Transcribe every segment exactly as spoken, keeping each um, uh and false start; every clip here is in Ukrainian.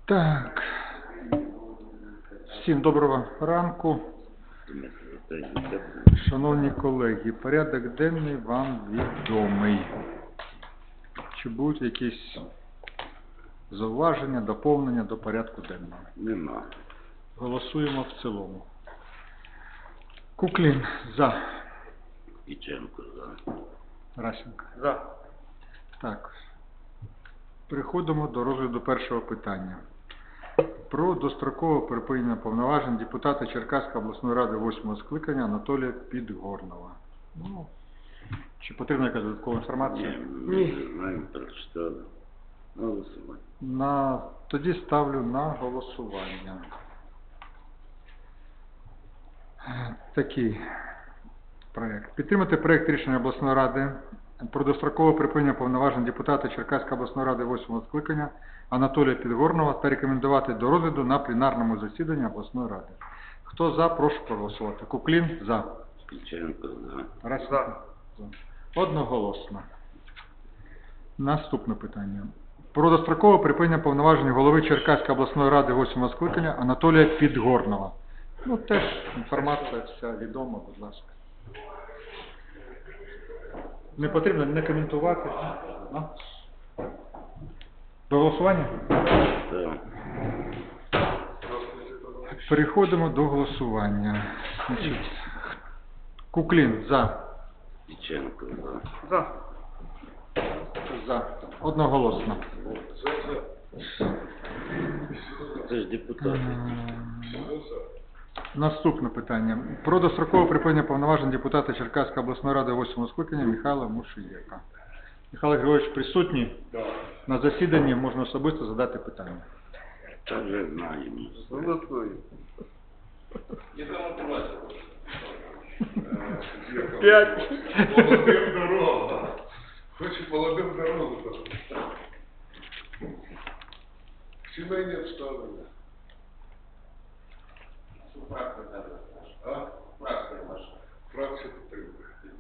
Так. Всім доброго ранку. Шановні колеги, порядок денний вам відомий. Чи будуть якісь зауваження, доповнення до порядку денного? Нема. Голосуємо в цілому. Куклін за. Іченко за. Расенко. За. Так. Переходимо до розгляду першого питання. Про дострокове припинення повноважень депутата Черкаської обласної ради восьмого скликання Анатолія Підгорного. Ну, чи потрібна якась додаткова інформація? Ні, ми вже знаємо, прочитали. Голосувати. На... Тоді ставлю на голосування. Такий проєкт. Підтримати проєкт рішення обласної ради про дострокове припинення повноважень депутата Черкаської обласної ради восьмого скликання Анатолія Підгорного та рекомендувати до розгляду на пленарному засіданні обласної ради. Хто за, прошу проголосувати. Куклін за. Іченко за. Раз. За. Одноголосно. Наступне питання. Про дострокове припинення повноважень голови Черкаської обласної ради восьмого скликання Анатолія Підгорного. Ну, теж інформація вся відома, будь ласка. Не потрібно не коментувати. А? До голосування? Так. Переходимо до голосування. Значить, Куклін за. Іченко за. За. За. Одноголосно. Це ж депутати. Наступне питання. Про дострокове припинення повноважень депутата Черкаської обласної ради восьмого скликання Михайла Мушиєка. Михайло Григорович присутній? Да. На засіданні можна особисто задати питання. Та вже знаємо. Голосую. Пять. Молодым дорогу. Хочет молодым дорогу. Сімейні обставини. А? Фракція підтримує.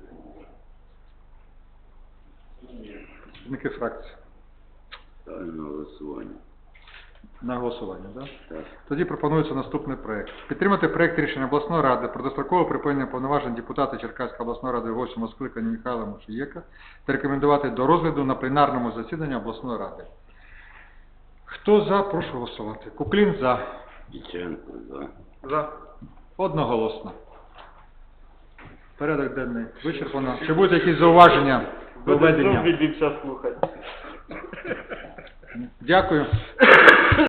Представники фракції. Ставлю на голосування. На голосування, так? Так. Тоді пропонується наступний проєкт. Підтримати проєкт рішення обласної ради про дострокове припинення повноважень депутата Черкаської обласної ради восьмого скликання Михайла Мушиєка та рекомендувати до розгляду на пленарному засіданні обласної ради. Хто за, прошу голосувати. Куклін за. Іченко за. За. Одноголосно. Порядок денний вичерпано. Чи будуть якісь зауваження до введення? Відвівся слухати. Дякую.